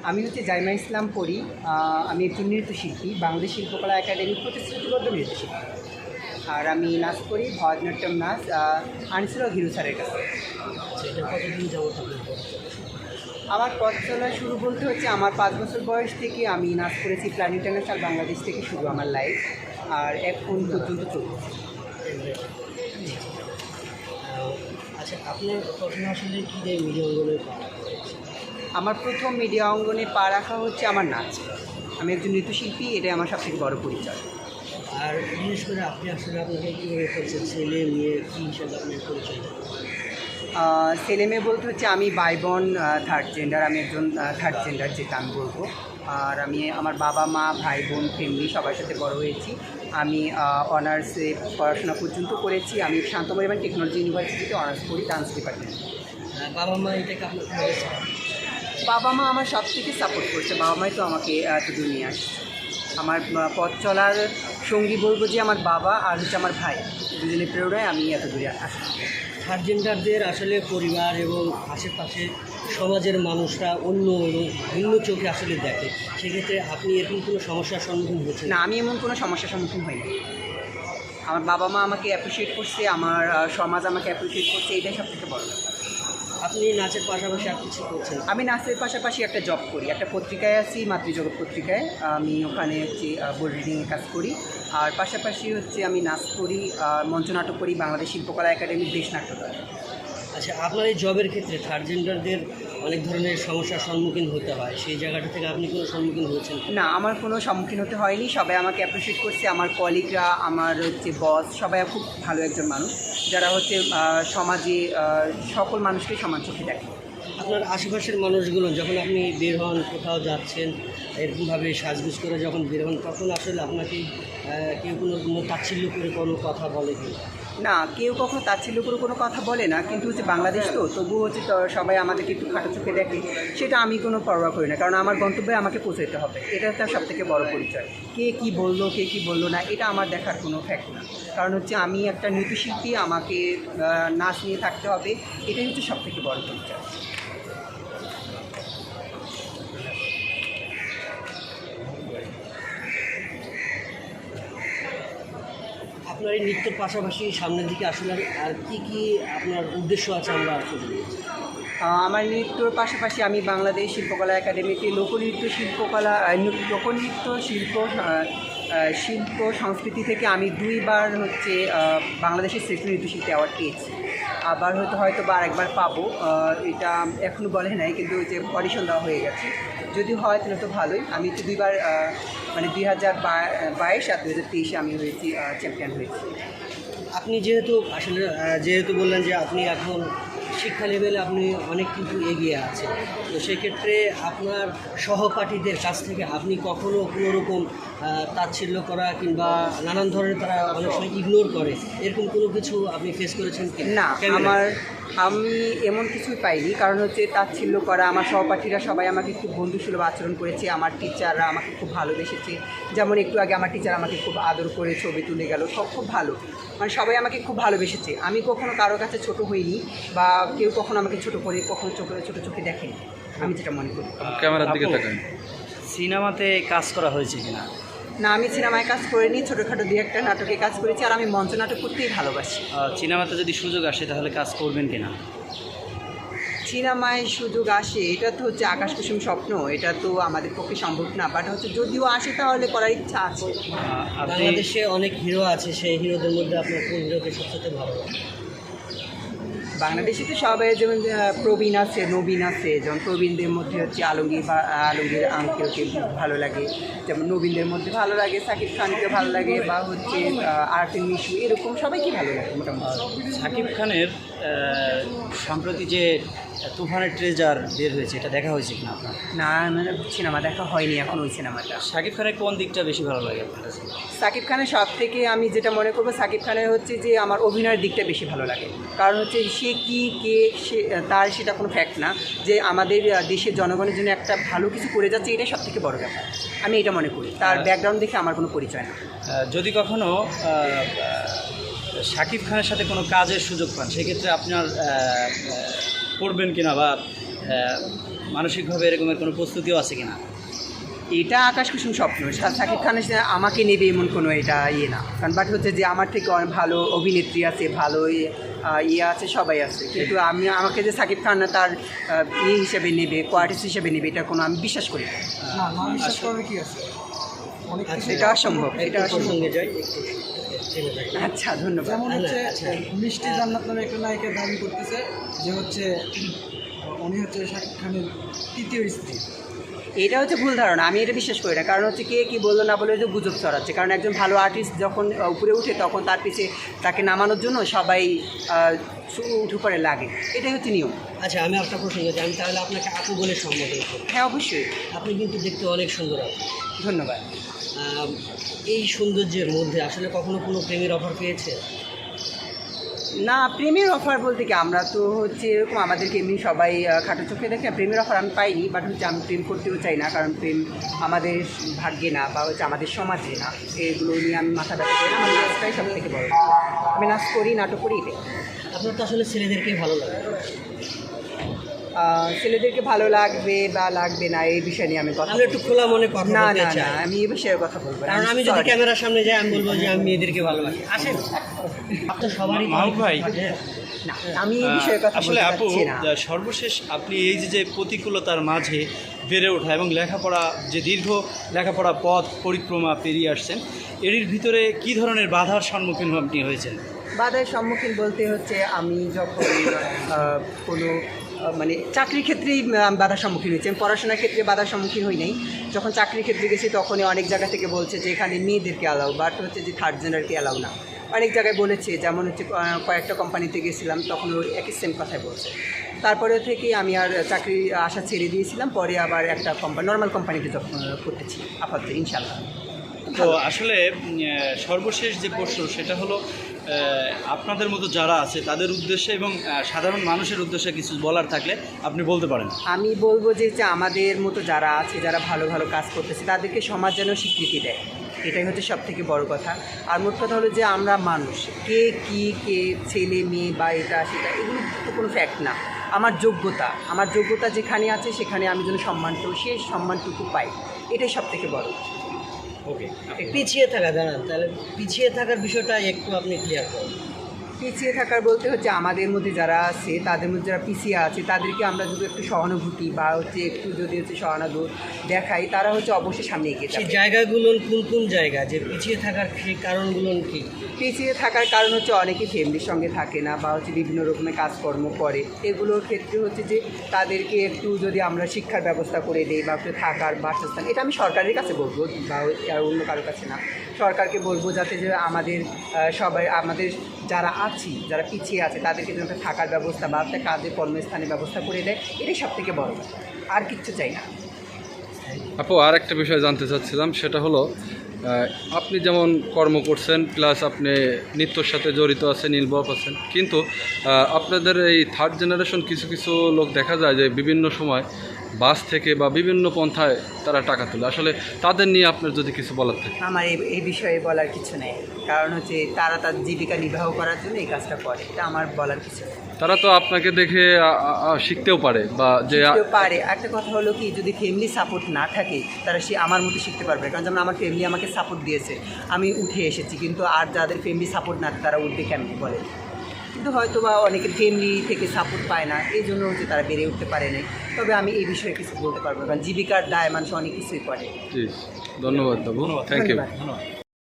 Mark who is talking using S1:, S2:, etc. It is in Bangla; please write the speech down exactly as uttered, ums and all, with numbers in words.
S1: আমি হচ্ছে জাইমা ইসলাম পড়ি। আমি একজন নৃত্যশিল্পী, বাংলাদেশ শিল্পকলা একাডেমির প্রতিশ্রুতিবদ্ধ নৃত্যশিল্পী। আর আমি নাচ করি, ভরতনাট্যম নাচ আনছিল হিরু স্যারের কাছে।
S2: এটা কতদিন যাবত আপনি করছেন?
S1: আমার পথ চলা শুরু বলতে হচ্ছে আমার পাঁচ বছর বয়স থেকে আমি নাচ করেছি প্ল্যান ইন্টারন্যাশনাল বাংলাদেশ থেকে শুরু আমার লাইফ, আর এখন পর্যন্ত চলছে।
S2: আচ্ছা, আপনার প্রথমে আসলে কী দিয়ে মিডিয়া অঙ্গনে পা করেছে?
S1: আমার প্রথম মিডিয়া অঙ্গনে পা রাখা হচ্ছে আমার নাচ। আমি একজন নৃত্যশিল্পী, এটাই আমার সবথেকে বড় পরিচয়।
S2: আর বিশেষ করে আপনি আসলে আপনাকে কীভাবে করছেন, ছেলে মেয়ে কী হিসাবে আপনি পরিচয় দেন?
S1: ছেলে মেয়ে বলতে হচ্ছে আমি বাই বোন থার্ড জেন্ডার, আমি একজন থার্ড জেন্ডার যেটা আমি বলবো। আর আমি আমার বাবা মা ভাই বোন ফ্যামিলি সবার সাথে বড় হয়েছি। আমি অনার্সে পড়াশোনা পর্যন্ত করেছি। আমি শান্তমরিবান টেকনোলজি ইউনিভার্সিটিতে অনার্স করি ডান্স ডিপার্টমেন্ট।
S2: বাবা মা এটাকে আপনার কীভাবে চান?
S1: বাবা মা আমার সব থেকে সাপোর্ট করছে। বাবা মাই তো আমাকে এত দূর নিয়ে আসছে। আমার পথ চলার সঙ্গী বলবো যে আমার বাবা আর হচ্ছে আমার ভাই, দুজনের প্রেরণায় আমি এত দূরে আসছি।
S2: থার্ড জেন্ডারদের আসলে পরিবার এবং আশেপাশে সমাজের মানুষরা অন্য ভিন্ন চোখে আসলে দেখে, সেক্ষেত্রে আপনি এরকম কোনো সমস্যার সম্মুখীন হয়েছেন?
S1: না, আমি এমন কোনো সমস্যার সম্মুখীন হইনি। আমার বাবা মা আমাকে অ্যাপ্রিসিয়েট করছে, আমার সমাজ আমাকে অ্যাপ্রিসিয়েট করছে, এটাই সব থেকে বড় ব্যাপার।
S2: আপনি নাচের পাশাপাশি আর কিছু করছেন?
S1: আমি নাচের পাশাপাশি একটা জব করি, একটা পত্রিকায় আছি, মাতৃজগৎ পত্রিকায়। আমি ওখানে হচ্ছে বোর্ড রিডিংয়ে কাজ করি। আর পাশাপাশি হচ্ছে আমি নাচ করি, মঞ্চনাটক করি বাংলাদেশ শিল্পকলা একাডেমির দেশ নাট্যদল।
S2: আচ্ছা, আপনার এই জবের ক্ষেত্রে থার্ড জেন্ডারদের অনেক ধরনের সমস্যার সম্মুখীন হতে হয়, সেই জায়গাটা থেকে আপনি কোনো সম্মুখীন হয়েছেন?
S1: না, আমার কোনো সম্মুখীন হতে হয়নি। সবাই আমাকে অ্যাপ্রিসিয়েট করছে, আমার কলিগরা, আমার হচ্ছে বস, সবাই খুব ভালো একজন মানুষ, যারা হচ্ছে সমাজে সকল মানুষকে সমান চোখে দেখে।
S2: আপনার আশেপাশের মানুষগুলো যখন আপনি বের হন, কোথাও যাচ্ছেন, এরকমভাবে সাজগুজ করে যখন বের হন, তখন আসলে আপনাকে কেউ কোনো কোনো তাচ্ছিল্য করে কোনো কথা বলে কি?
S1: না, কেউ কখনো তাচ্ছিল্য করে কোনো কথা বলে না, কিন্তু হচ্ছে বাংলাদেশ তো তবুও হচ্ছে তো সবাই আমাদেরকে একটু খাটো চোখে দেখে, সেটা আমি কোনো পরোয়া করি না, কারণ আমার গন্তব্যে আমাকে পৌঁছাতে হবে। এটা তার সব থেকে বড় পরিচয়। কে কী বললো কে কী বললো না, এটা আমার দেখার কোনো ফ্যাক্ট না, কারণ হচ্ছে আমি একটা নৃত্যশিল্পী, আমাকে নাচ নিয়ে থাকতে হবে, এটাই হচ্ছে সব থেকে বড় পরিচয়।
S2: আপনার এই নৃত্যের পাশাপাশি সামনের দিকে আসলে আর কী কী আপনার উদ্দেশ্য আছে আমরা আসলে?
S1: আমার নৃত্যর পাশাপাশি আমি বাংলাদেশ শিল্পকলা একাডেমিতে লোকনৃত্য শিল্পকলা লোকনৃত্য শিল্প শিল্প সংস্কৃতি থেকে আমি দুইবার হচ্ছে বাংলাদেশের শ্রেষ্ঠ নৃত্যশিল্পী অ্যাওয়ার্ড পেয়েছি। আবার হয়তো হয়তো বা আরেকবার পাবো, এটা এখনও বলে নাই, কিন্তু যে অডিশন দেওয়া হয়ে গেছে, যদি হয় তাহলে তো ভালোই। আমি তো দুইবার মানে দুই হাজার বাইশ আর দুই হাজার তেইশে আমি হয়েছি চ্যাম্পিয়ন হয়েছি।
S2: আপনি যেহেতু আসলে যেহেতু বললেন যে আপনি এখন শিক্ষা লেভেলে আপনি অনেক কিছু এগিয়ে আছেন, তো সেক্ষেত্রে আপনার সহপাঠীদের কাছ থেকে আপনি কখনও কোনো রকম তাচ্ছিল্য করা কিংবা নানান ধরনের তারা অনেক সময় ইগনোর করে, এরকম কোনো কিছু আপনি ফেস করেছেন কি?
S1: না, আমার আমি এমন কিছুই পাইনি, কারণ হচ্ছে তাচ্ছিল্য করা, আমার সহপাঠীরা সবাই আমাকে খুব বন্ধুসুলভ আচরণ করেছে, আমার টিচাররা আমাকে খুব ভালোবেসেছে। যেমন একটু আগে আমার টিচার আমাকে খুব আদর করে ছবি তুলে গেল, সব খুব ভালো, মানে সবাই আমাকে খুব ভালোবেসেছে। আমি কখনো কারো কাছে ছোট হইনি, বা কেউ কখনো আমাকে ছোট করে কখনো চোখে ছোটো চোখে দেখেনি, আমি যেটা মনে করি।
S3: ক্যামেরার দিকে তাকান।
S2: সিনেমাতে কাজ করা হয়েছে কিনা?
S1: না, আমি সিনেমায় কাজ করিনি, ছোটোখাটো দুই একটা নাটকে কাজ করেছি, আর আমি মঞ্চ নাটক করতেই ভালোবাসি।
S2: সিনেমাতে যদি সুযোগ আসে তাহলে কাজ করবেন কিনা?
S1: সিনেমায় সুযোগ আসে, এটা তো হচ্ছে আকাশ কুসুম স্বপ্ন, এটা তো আমাদের পক্ষে সম্ভব না, বাট হচ্ছে যদিও আসে তাহলে করার ইচ্ছা আছে।
S2: বাংলাদেশে অনেক হিরো আছে, সেই হিরোদের মধ্যে আপনার কোন হিরোকে সবচেয়ে ভালো লাগে?
S1: বাংলাদেশে তো সবাই যেমন প্রবীণ আছে, নবীন আছে, যেমন প্রবীণদের মধ্যে হচ্ছে আলমগীর বা আলমগীর আঙ্কেলকে ভালো লাগে, যেমন নবীনদের মধ্যে ভালো লাগে সাকিব খানকে ভালো লাগে, বা হচ্ছে আরফিন মিশু, এরকম সবাইকে ভালো লাগে মোটামুটি।
S4: সাকিব খানের সম্প্রতি যে তুফানের ট্রেজার বের হয়েছে, এটা দেখা হয়েছে কিনা আপনার?
S1: না, মানে সিনেমা দেখা হয়নি এখন ওই সিনেমাটা।
S4: সাকিব খানের কোন দিকটা বেশি ভালো লাগে আপনার কাছে?
S1: সাকিব খানের সব থেকে আমি যেটা মনে করবো, সাকিব খানের হচ্ছে যে আমার অভিনয়ের দিকটা বেশি ভালো লাগে, কারণ হচ্ছে সে কী কে সে তার সেটা কোনো ফ্যাক্ট না, যে আমাদের দেশের জনগণের জন্য একটা ভালো কিছু করে যাচ্ছে, এটাই সব থেকে বড় ব্যাপার, আমি এটা মনে করি। তার ব্যাকগ্রাউন্ড দেখে আমার কোনো পরিচয় না।
S4: যদি কখনো সাকিব খানের সাথে কোনো কাজের সুযোগ পান, সেক্ষেত্রে আপনার করবেন কিনা, বা আহ, মানসিকভাবে এরকমের কোনো প্রস্তুতিও আছে কিনা?
S1: এটা আকাশ কুসুম স্বপ্ন। সা- শাকিব খানের সাথে আমাকে নেবে এমন কোনো এটা ইয়ে না, কারণ বাট হচ্ছে যে আমার থেকে অনেক ভালো অভিনেত্রী আছে, ভালো ইয়ে আহ, ইয়ে আছে, সবাই আছে, কিন্তু আমি আমাকে যে শাকিব খান তার আহ, ইয়ে হিসেবে নেবে, কোয়ার্টিস্ট হিসেবে নেবে, এটা কোনো আমি বিশ্বাস করি না।
S3: না না বিশ্বাস করার কি আছে, অনেক
S2: আচ্ছা,
S3: কিছু।
S1: এটা অসম্ভব, এটা
S2: এটা
S1: অসম্ভব।
S2: প্রসঙ্গে যাই একটু থেমে থাকি।
S1: আচ্ছা, ধন্যবাদ।
S3: যেমন হচ্ছে
S2: আচ্ছা।
S3: মিষ্টি জান্নাত নামে একটা নায়িকা দাবি করতেছে যে হচ্ছে উনি হচ্ছে শাকিব খানের তৃতীয় স্ত্রী।
S1: এটা হচ্ছে ভুল ধারণা, আমি এটা বিশ্বাস করি না। কারণ হচ্ছে কে কী বললো না বলে যে গুজব ছড়াচ্ছে। কারণ একজন ভালো আর্টিস্ট যখন আহ, উপরে উঠে তখন তার পিছে তাকে নামানোর জন্য সবাই আহ, সু- উঠে পড়ে লাগে, এটাই হচ্ছে নিয়ম।
S2: আচ্ছা, আমি একটা প্রসঙ্গে যাই, আমি তাহলে আপনাকে আপু বলে সম্বোধন করি।
S1: হ্যাঁ, অবশ্যই।
S2: আপনি কিন্তু দেখতে অনেক সুন্দর আপু।
S1: ধন্যবাদ।
S2: আম, এই সৌন্দর্যের মধ্যে আসলে কখনো কোনো প্রেমের অফার পেয়েছে?
S1: না, প্রেমের অফার বলতে কি, আমরা তো হচ্ছে এরকম আমাদেরকে এমনি সবাই আহ, খাটো চোখে দেখে, প্রেমের অফার আমি পাইনি। বাট হচ্ছে আমি প্রেম করতেও চাই না, কারণ প্রেম আমাদের ভাগ্যে না, বা হচ্ছে আমাদের সমাজে না। এগুলো নিয়ে আমি মাথা ব্যথা করি না। আমার নাচটাই সব থেকে বড়। আমি নাচ করি, নাটক করি, এটাই।
S2: আপনার তো আসলে ছেলেদেরকেই ভালো লাগে।
S1: আহ, ছেলেদেরকে ভালো লাগবে বা লাগবে না এই বিষয় নিয়ে আমি কথা
S2: আমি একটু খোলা মনে কথা
S1: না
S2: বলতে
S1: না
S2: চাই।
S1: না আমি এই বিষয়ে কথা বলবো না।
S2: কারণ আমি যদি
S1: sorry।
S2: ক্যামেরার সামনে যাই আমি বলবো যে আমি মেয়েদেরকে ভালোবাসি। আসেন, আপনার সবারই
S4: মাহবুব ভাই,
S1: না, আমি এই বিষয়ে কথা
S4: আসলে
S1: বলতে
S4: আপু,
S1: চাচ্ছি না।
S4: আহ, সর্বশেষ আপনি এই যে যে প্রতিকূলতার মাঝে বেড়ে ওঠা এবং লেখাপড়া, যে দীর্ঘ লেখাপড়া পথ পরিক্রমা পেরিয়ে আসছেন, এর ভিতরে কি ধরনের বাধার সম্মুখীন আপনি হয়েছেন?
S1: বাধার সম্মুখীন বলতে হচ্ছে আমি যখন আহ, কোনো আহ, মানে চাকরির ক্ষেত্রেই আমি বাধার সম্মুখীন হয়েছি। আমি পড়াশোনার ক্ষেত্রে বাধার সম্মুখীন হই নাই। যখন চাকরির ক্ষেত্রে গেছি তখনই অনেক জায়গা থেকে বলছে যে এখানে মেয়েদেরকে অ্যালাউ, বাট হচ্ছে যে থার্ড জেন্ডারকে অ্যালাউ না। অনেক জায়গায় বলেছে, যেমন হচ্ছে আহ, কয়েকটা কোম্পানিতে গেছিলাম, তখন ওই একই সেম কথাই বলছে। তারপরে থেকে আমি আর চাকরি আশা ছেড়ে দিয়েছিলাম। পরে আবার একটা কোম্পানি, নর্মাল কোম্পানিতে জব করতেছি আপাতত, ইনশাল্লাহ।
S4: তো আসলে উম, আহ, সর্বশেষ যে প্রশ্ন সেটা হলো, আহ, আপনাদের মতো যারা আছে তাদের উদ্দেশ্যে এবং আহ, সাধারণ মানুষের উদ্দেশ্যে কিছু বলার থাকলে আপনি বলতে পারেন।
S1: আমি বলবো যে যে আমাদের মতো যারা আছে, যারা ভালো ভালো কাজ করতেছে, তাদেরকে সমাজ যেন স্বীকৃতি দেয়, এটাই হচ্ছে সব থেকে বড় কথা। আর মোট কথা হলো যে আমরা মানুষ, কে কি, কে ছেলে মেয়ে বা এটা সেটা, এগুলো তো কোনো ফ্যাক্ট না। আমার যোগ্যতা, আমার যোগ্যতা যেখানে আছে সেখানে আমি যেন সম্মানটুকু, সেই সম্মানটুকু পাই, এটাই সব থেকে বড়।
S4: ওকে।
S2: পিছিয়ে থাকা, দাঁড়ান, তাহলে পিছিয়ে থাকার বিষয়টা একটু আপনি ক্লিয়ার করুন।
S1: পিছিয়ে থাকার বলতে হচ্ছে আমাদের মধ্যে যারা আছে, তাদের মধ্যে যারা পিছিয়ে আছে, তাদেরকে আমরা যদি একটু সহানুভূতি বা হচ্ছে একটু যদি হচ্ছে সহানুভূতি দেখাই, তারা হচ্ছে অবশ্যই সামনে এগিয়ে
S2: সেই
S1: যাবে।
S2: জায়গাগুলো কোন কোন জায়গা, যে পিছিয়ে থাকার সেই কারণগুলো কি?
S1: পিছিয়ে থাকার কারণ হচ্ছে অনেকে ফ্যামিলির সঙ্গে থাকে না, বা হচ্ছে বিভিন্ন রকমের কাজকর্ম করে। এগুলোর ক্ষেত্রে হচ্ছে যে তাদেরকে একটু যদি আমরা শিক্ষার ব্যবস্থা করে দিই, বা একটু থাকার বাসস্থান, এটা আমি সরকারের কাছে বলবো, বা আর অন্য কারোর কাছে না, সরকারকে বলবো যাতে যে আমাদের আহ, সবাই, আমাদের যারা আছি, যারা পিছিয়ে আছে, তাদেরকে যেন একটা থাকার ব্যবস্থা বা একটা কাজের কর্মস্থানের ব্যবস্থা করে দেয়, এটাই সব থেকে বড় কথা। আর কিচ্ছু চাই না।
S5: আপু, আর একটা বিষয় জানতে চাচ্ছিলাম, সেটা হলো আহ, আপনি যেমন কর্ম করছেন, প্লাস আপনি নৃত্যর সাথে জড়িত আছেন, ইনভলভ আছেন, কিন্তু আহ, আপনাদের এই থার্ড জেনারেশন কিছু কিছু লোক দেখা যায় যে বিভিন্ন সময় বাস থেকে বা বিভিন্ন পন্থায় তারা টাকা তোলে। আসলে তাদের নিয়ে আপনার যদি কিছু বলার থাকে।
S1: আমার এই এই বিষয়ে বলার কিছু নেই, কারণ হচ্ছে তারা তার জীবিকা নির্বাহ করার জন্য এই কাজটা করে, এটা আমার বলার কিছু নেই।
S5: তারা তো আপনাকে দেখে আ- আ- আ- শিখতেও পারে, বা যে আ-
S1: শিখতেও পারে। একটা কথা হলো কি, যদি ফ্যামিলি সাপোর্ট না থাকে, তারা সে আমার মতো শিখতে পারবে। কারণ যেমন আমার ফ্যামিলি আমাকে সাপোর্ট দিয়েছে, আমি উঠে এসেছি, কিন্তু আর যাদের ফ্যামিলি সাপোর্ট না, তারা উঠবে কেমন বলে। কিন্তু হয়তো বা অনেকের ফ্যামিলি থেকে সাপোর্ট পায় না, এই জন্য হচ্ছে তারা বেড়ে উঠতে পারে না। তবে আমি এই বিষয়ে কিছু বলতে পারবো, কারণ জীবিকার দায় মানুষ অনেক কিছুই করে।
S5: জি, ধন্যবাদ বাবু, থ্যাংক ইউ।
S1: ধন্যবাদ।
S4: ধন্যবাদ।